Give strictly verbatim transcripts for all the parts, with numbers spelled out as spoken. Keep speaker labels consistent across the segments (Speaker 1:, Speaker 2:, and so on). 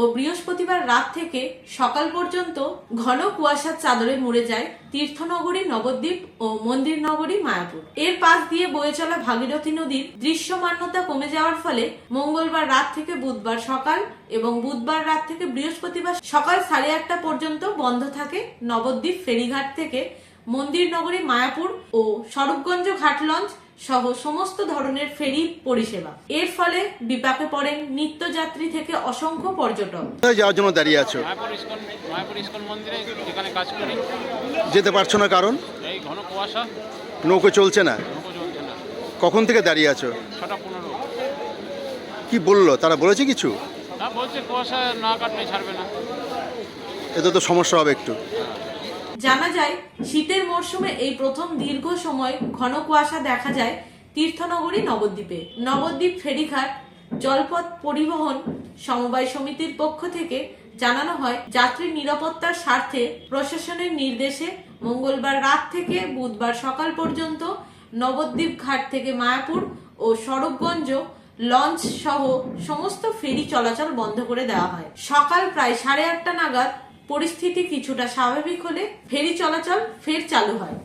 Speaker 1: বৃহস্পতিবার রাত থেকে সকাল পর্যন্ত ঘন কুয়াশার চাদরে মুড়ে যায় তীর্থনগরী নবদ্বীপ ও মন্দির নগরী মায়াপুর। এর পাশ দিয়ে বয়ে চলা ভাগীরথী নদীর দৃশ্যমান্যতা কমে যাওয়ার ফলে মঙ্গলবার রাত থেকে বুধবার সকাল এবং বুধবার রাত থেকে বৃহস্পতিবার সকাল সাড়ে আটটা পর্যন্ত বন্ধ থাকে নবদ্বীপ ফেরিঘাট থেকে মন্দির নগরী মায়াপুর ও স্বরূপগঞ্জ ঘাট লঞ্চ সহ সমস্ত ধরনের ফেরি পরিষেবা। এর ফলে বিপাকে পড়েন নিত্যযাত্রী থেকে অসংখ্য পর্যটক।
Speaker 2: যাওয়ার জন্য দাঁড়িয়ে আছো?
Speaker 3: মায়াপুর ইস্কন মন্দিরে যেখানে কাজ করি।
Speaker 2: যেতে পারছো না কারণ?
Speaker 3: এই ঘন কুয়াশা,
Speaker 2: নৌকো চলছে না।
Speaker 3: নৌকো চলছে না।
Speaker 2: কখন থেকে দাঁড়িয়ে আছো?
Speaker 3: ছটা পনেরো।
Speaker 2: কি বললো তারা? বলেছে কিছু?
Speaker 3: তা বলছে কুয়াশা না কাটলে ছাড়বে না।
Speaker 2: এতে তো সমস্যা হবে একটু।
Speaker 1: জানা যায় শীতের মরশুমে এই প্রথম দীর্ঘ সময় ঘন কুয়াশা দেখা যায় তীর্থনগরী নবদ্বীপে। নবদ্বীপ ফেরিঘাট জলপথ পরিবহন সমবায় সমিতির পক্ষ থেকে জানানো হয়, যাত্রী নিরাপত্তার স্বার্থে প্রশাসনের নির্দেশে মঙ্গলবার রাত থেকে বুধবার সকাল পর্যন্ত নবদ্বীপ ঘাট থেকে মায়াপুর ও স্বরূপগঞ্জ লঞ্চ সহ সমস্ত ফেরি চলাচল বন্ধ করে দেওয়া হয়। সকাল প্রায় সাড়ে আটটা নাগাদ পরিস্থিতি কিছুটা স্বাভাবিক হলে ফেরি চলাচল ফের চালু হয়।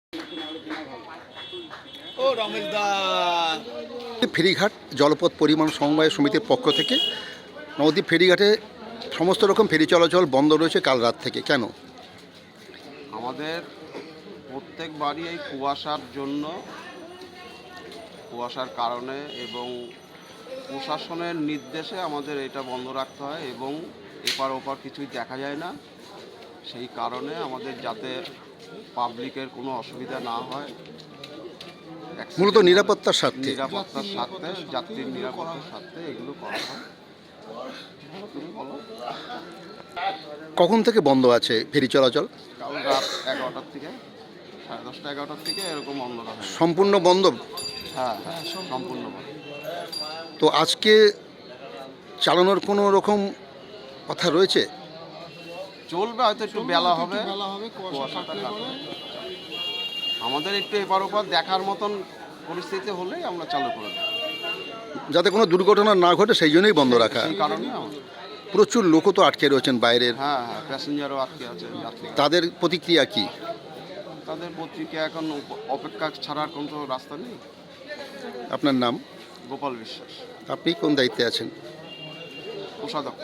Speaker 2: ফেরিঘাট জলপথ পরিবহন সমবায় সমিতির পক্ষ থেকে নবদ্বীপ ফেরিঘাটে সমস্ত রকম ফেরি চলাচল বন্ধ রয়েছে কাল রাত থেকে। কেন?
Speaker 4: আমাদের প্রত্যেকবারই এই কুয়াশার জন্য, কুয়াশার কারণে এবং প্রশাসনের নির্দেশে আমাদের এটা বন্ধ রাখতে হয় এবং এপার ওপার কিছুই দেখা যায় না। সেই কারণে আমাদের যাতে পাবলিকের কোনো অসুবিধা না হয়,
Speaker 2: মূলত নিরাপত্তার স্বার্থে
Speaker 4: নিরাপত্তার স্বার্থে যাত্রীর নিরাপত্তার স্বার্থে এগুলো করা হয়। তুমি বলো,
Speaker 2: কখন থেকে বন্ধ আছে ফেরি চলাচল?
Speaker 4: কাল রাত এগারোটার থেকে সাড়ে দশটা এগারোটার থেকে এরকম বন্ধ রাখা হয়।
Speaker 2: সম্পূর্ণ বন্ধ?
Speaker 4: হ্যাঁ হ্যাঁ সম্পূর্ণ বন্ধ।
Speaker 2: তো আজকে চালানোর কোনো রকম কথা রয়েছে?
Speaker 4: চলবে, হয়তো একটু বেলা হবে, কুয়াশাটা কাটবে। আমাদের একটু এপার ওপার দেখার মতন পরিস্থিতি হলেই আমরা চালু করে দেব,
Speaker 2: যাতে কোনো দুর্ঘটনা না ঘটে সেই জন্যই বন্ধ রাখা।
Speaker 4: সেই কারণে
Speaker 2: প্রচুর লোকও তো আটকে রয়েছেন বাইরের।
Speaker 4: হ্যাঁ হ্যাঁ প্যাসেঞ্জারও আটকে আছে, যাত্রী।
Speaker 2: তাদের প্রতিক্রিয়া কি?
Speaker 4: তাদের প্রতিক্রিয়া এখন অপেক্ষা ছাড়ার কোনো তো রাস্তা নেই।
Speaker 2: আপনার নাম?
Speaker 4: গোপাল বিশ্বাস।
Speaker 2: আপনি কোন দায়িত্বে আছেন?
Speaker 4: কোষাধ্যক্ষ।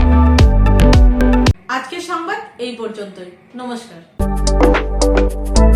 Speaker 1: আজকের সংবাদ এই পর্যন্তই। নমস্কার।